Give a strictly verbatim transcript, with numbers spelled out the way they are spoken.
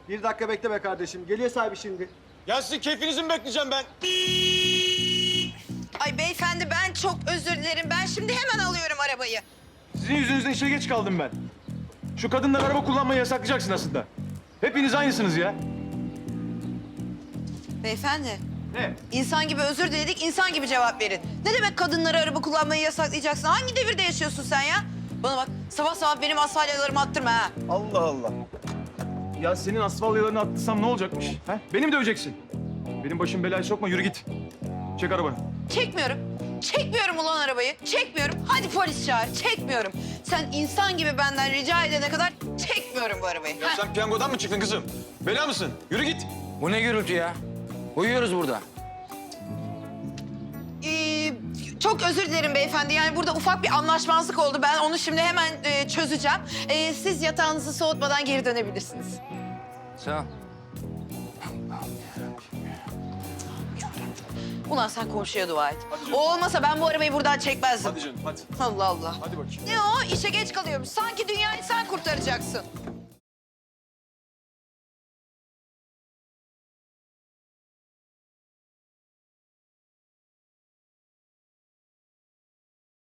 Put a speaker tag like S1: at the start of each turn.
S1: Bir dakika bekle be kardeşim. Geliyor sahibi şimdi.
S2: Ya sizin keyfinizi mi bekleyeceğim ben?
S3: Ay beyefendi ben çok özür dilerim. Ben şimdi hemen alıyorum arabayı.
S2: Sizin yüzünüzden işe geç kaldım ben. Şu kadınlar araba kullanmayı yasaklayacaksın aslında. Hepiniz aynısınız ya.
S3: Beyefendi,
S2: Ne?
S3: insan gibi özür diledik, insan gibi cevap verin. Ne demek kadınlara araba kullanmayı yasaklayacaksın? Hangi devirde yaşıyorsun sen ya? Bana bak, sabah sabah benim asfalyalarımı attırma ha.
S2: Allah Allah. Ya senin asfalyalarını attırsam ne olacakmış? He? Beni mi döveceksin? Benim başım belaya sokma, yürü git. Çek arabanı.
S3: Çekmiyorum. Çekmiyorum ulan arabayı. Çekmiyorum. Hadi polis çağır. Çekmiyorum. Sen insan gibi benden rica edene kadar çekmiyorum bu arabayı.
S2: Ya
S3: Heh.
S2: sen piyangodan mı çıktın kızım? Bela mısın? Yürü git.
S4: Bu ne gürültü ya? Uyuyoruz burada.
S3: Ee, çok özür dilerim beyefendi. Yani burada ufak bir anlaşmazlık oldu. Ben onu şimdi hemen e, çözeceğim. Ee, siz yatağınızı soğutmadan geri dönebilirsiniz.
S4: Sağ ol.
S3: Ulan sen komşuya dua et. O olmasa ben bu arabayı buradan çekmezdim.
S2: Hadi canım hadi.
S3: Allah Allah.
S2: Hadi bakayım.
S3: Ne o? İşe geç kalıyormuş. Sanki dünyayı sen kurtaracaksın.